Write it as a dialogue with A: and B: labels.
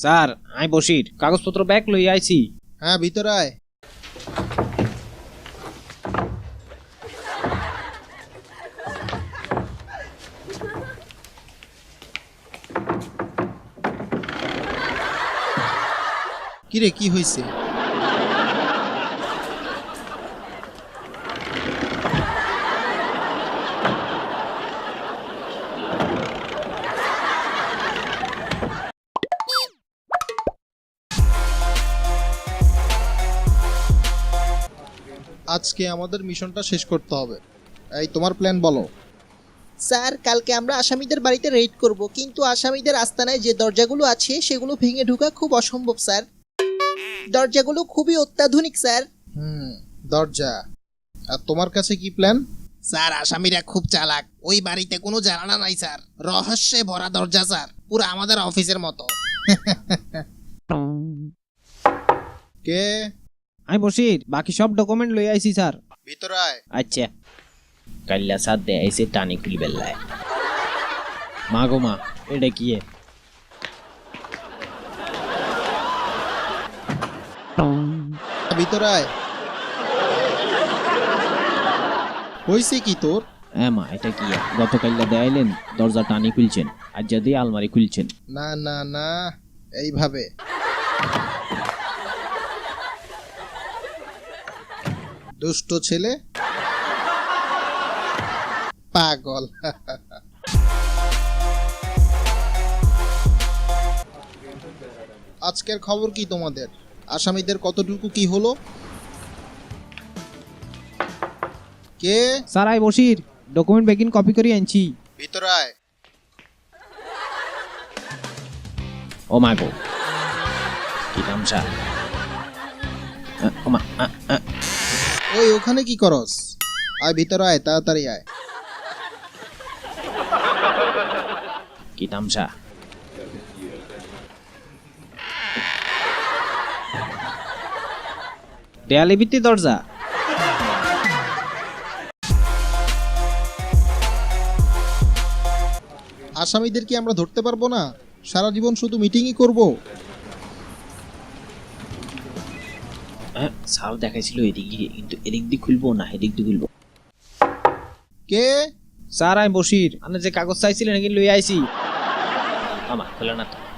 A: Sir আমি বসির কাগজপত্র bag লই আইছি।
B: হ্যাঁ ভিতরে আয়। কিরে কি হয়েছে? আজকে আমাদের মিশনটা শেষ করতে হবে। এই তোমার প্ল্যান বলো।
C: স্যার কালকে আমরা আসামিদের বাড়িতে রেড করব, কিন্তু আসামিদের আস্তানায় যে দরজাগুলো আছে সেগুলো ভেঙে ঢোকা খুব অসম্ভব স্যার। দরজাগুলো খুবই অত্যাধুনিক স্যার।
B: দরজা। আর তোমার কাছে কি প্ল্যান?
D: স্যার আসামিরা খুব চালাক, ওই বাড়িতে কোনো জানালা নাই স্যার, রহস্যে ভরা দরজা স্যার, পুরো আমাদের অফিসের মতো।
B: কে?
A: আমি বসির বাকি সব ডকুমেন্ট লই আইছি স্যার।
B: ভিতরে আয়।
A: আচ্ছা কাল্লা সাথ দে এসে টানি খুলি বেল্লায়। মা গো মা এটা কি এ?
B: ভিতরে আয়। হয়েছে কি তোর?
A: হ্যাঁ মা এটা কি এ? গতকাল্লা দেয়াইলেন দরজা টানি খুলছেন, আর যদি আলমারি খুলছেন।
B: না না না, এইভাবে। দুষ্ট ছেলে, পাগল। আজকের খবর কি তোমাদের? আসামিদের কতটুকু কি হলো? কে?
A: স্যার আই বসির ডকুমেন্ট বেগিন কপি করে আনছি।
B: ভিতরে আয়।
A: ও মা গো কি তামসা। ও মা
B: ওই ওখানে কি করস? আয় ভিতরে আয়, তাড়াতাড়ি আয়।
A: কি তামসা। দেয়ালে ভিত্তি দরজা।
B: আসামিদের কি আমরা ধরতে পারবো না? সারা জীবন শুধু মিটিংই করব।
A: স্যার দেখাইছিল এদিক দিয়ে, কিন্তু এদিক দিয়ে খুলবো না এদিক দিয়ে খুলবো।
B: কে?
A: স্যার আমি বসির, আপনি যে কাগজ চাইছিলেন নাকি লই আইছি। আমা খোলা না তো।